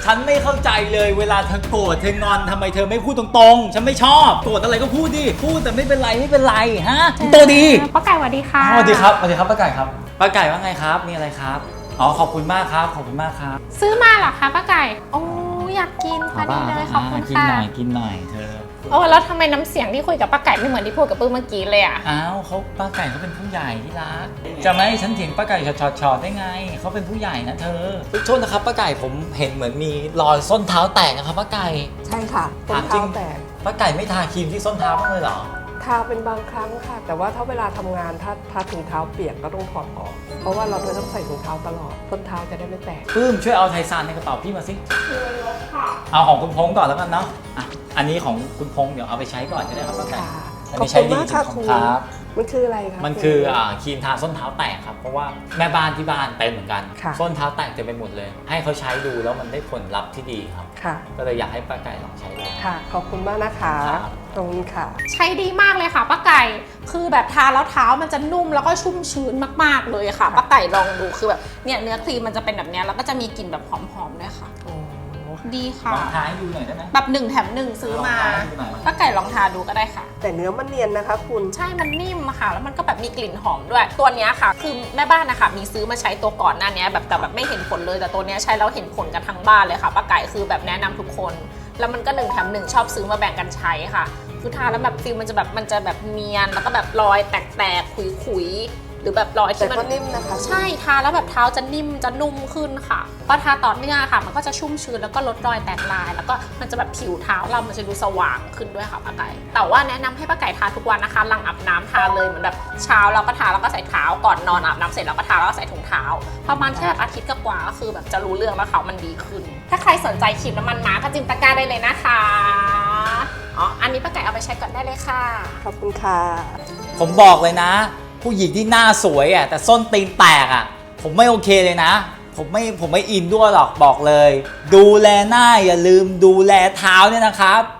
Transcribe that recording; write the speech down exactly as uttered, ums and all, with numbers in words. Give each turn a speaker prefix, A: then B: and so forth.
A: ฉันไม่เข้าใจเลยเวลาเธอโกรธเธองอนทำไมเธอไม่พูดตรงๆฉันไม่ชอบโกรธอะไรก็พูดดิพูดแต่ไม่เป็นไรไม่เป็นไรฮะตัวดี
B: ป้าไก่สวัสดีค่ะ
A: สวัสดีครับสวัสดีครับป้าไก่ครับป้าไก่ว่าไงครับมีอะไรครับอ๋อขอบคุณมากครับขอบคุณมากครับ
B: ซื้อมาเหรอคะป้าไก่โอ้อยากกินพอดีเลยขอบคุณค่ะ
A: กินหน่อยกินหน่อยเธอ
B: โอ้แล้วทำไมน้ำเสียงที่คุยกับป้าไก่ไม่เหมือนที่พูดกับปื้มเมื่อกี้เลยอ่ะ
A: อ้าวเขาป้าไก่เขาเป็นผู้ใหญ่ที่รักจะไม่ให้ฉันเถียงป้าไก่ชอดๆได้ไงเขาเป็นผู้ใหญ่นะเธอโทษนะครับป้าไก่ผมเห็นเหมือนมีรอยส้นเท้าแตกนะครับป้าไก่
C: ใช่ค่ะส้นเท้าแตก
A: ป้าไก่ไม่ทาครีมที่ส้นเท้าบ้างเลยเหรอ
C: ทาเป็นบางครั้งค่ะแต่ว่าถ้าเวลาทำงานถ้าถ้าถุงเท้าเปียกก็ต้องถอดออกเพราะว่าเราจะต้องใส่ถุงเท้าตลอดส้นเท้าจะได้ไม่แตก
A: ปื้มช่วยเอาไทซานในกระเป๋าพี่มาสิเอาของคุณพงษ์ก่อนแล้วกันเนาะอ่ะอันนี้ของคุณพงษ์เดี๋ยวเอาไปใช้ก่อนก็ได้ครับป้าไก่
C: ขอบคุณมากค่ะคุณมันคืออะไรครับ
A: มันคือครีมทาส้นเท้าแตกครับเพราะว่าแม่บ้านที่บ้านเป็นเหมือนกันส้นเท้าแตกเต็มไปหมดเลยให้เขาใช้ดูแล้วมันได้ผลลัพธ์ที่ดีครับก็เลยอยากให้ป้าไก่ลองใช้ดู
C: ค่ะขอบคุณมากนะคะตรงนี้ค่ะ
B: ใช้ดีมากเลยค่ะป้าไก่คือแบบทาแล้วเท้ามันจะนุ่มแล้วก็ชุ่มชื้นมากๆเลยค่ะป้าไก่ลองดูคือแบบเนี่ยเนื้อครีมมันจะเป็นแบบนี้แล้วก็จะมีกลิ่นแบบหอมๆด้วยค่ะดีค่ะ
A: ลองทาให้ดูหน่อยได้ไหม
B: แบบหนึ่งแถมหนึ่งซื้อมาป้าไก่ลองทาดูก็ได้ค่ะ
C: แต่เนื้อมันเนียนนะคะคุณ
B: ใช่มันนิ่มค่ะแล้วมันก็แบบมีกลิ่นหอมด้วยตัวนี้ค่ะคือแม่บ้านนะคะมีซื้อมาใช้ตัวก่อนหน้านี้แบบแต่แบบไม่เห็นผลเลยแต่ตัวนี้ใช้แล้วเห็นผลกันทั้งบ้านเลยค่ะป้าไก่คือแบบแนะนำทุกคนแล้วมันก็หนึ่งแถมหนึ่งชอบซื้อมาแบ่งกันใช้ค่ะคือทาแล้วแบบฟิลมันจะแบบมันจะแบบเนียนแล้วก็แบบรอยแตกๆขุยๆหรือแบบรอยที่มัน
C: นิ่มนะคะ
B: ใช่ทาแล้วแบบเท้าจะนิ่มจะนุ่มขึ้นค่ะพอทาต่อเนื่องค่ะมันก็จะชุ่มชื้นแล้วก็ลดรอยแตกลายแล้วก็มันจะแบบผิวเท้าเรามันจะดูสว่างขึ้นด้วยค่ะป้าไก่แต่ว่าแนะนำให้ป้าไก่ทาทุกวันนะคะหลังอาบน้ำทาเลยเหมือนแบบเช้าเราก็ทาแล้วก็ใส่เท้าก่อนนอนอาบน้ำเสร็จเราก็ทาแล้วก็ใส่ถุงเท้าประมาณแค่แบบอาทิตย์กว่าก็คือแบบจะรู้เรื่องแล้วเขามันดีขึ้นถ้าใครสนใจครีมน้ำมันม้าก็จิ้มตะกร้าได้เลยนะคะอ๋ออันนี้ป้าไก่เอาไปใช้ก่อนได้เลยค่ะ
C: ขอบคุณค่ะ
A: ผมบอกเลยนะผู้หญิงที่หน้าสวยอ่ะแต่ส้นตีนแตกอ่ะผมไม่โอเคเลยนะผมไม่ผมไม่อินด้วยหรอกบอกเลยดูแลหน้าอย่าลืมดูแลเท้าเนี่ยนะครับ